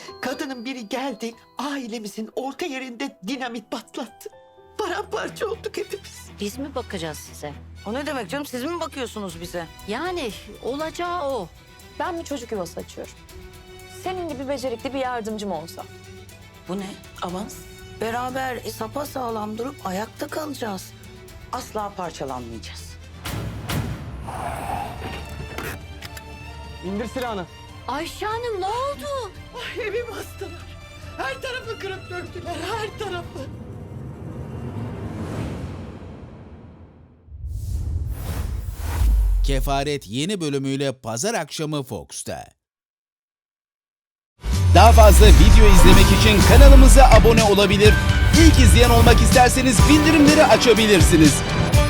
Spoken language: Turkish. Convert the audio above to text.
Kadının biri geldi, ailemizin orta yerinde dinamit patlattı. Paramparça olduk hepimiz. Biz mi bakacağız size? O ne demek canım? Siz mi bakıyorsunuz bize? Yani olacağı o. Ben bir çocuk yuvası açıyorum. Senin gibi becerikli bir yardımcım olsa. Bu ne? Avans. Beraber sapasağlam durup ayakta kalacağız. Asla parçalanmayacağız. İndir silahını. Ayşe Hanım ne oldu? Ay, evim bastılar. Her tarafı kırıp döktüler, her tarafı. Kefaret yeni bölümüyle pazar akşamı Fox'ta. Daha fazla video izlemek için kanalımıza abone olabilir, İlk izleyen olmak isterseniz bildirimleri açabilirsiniz.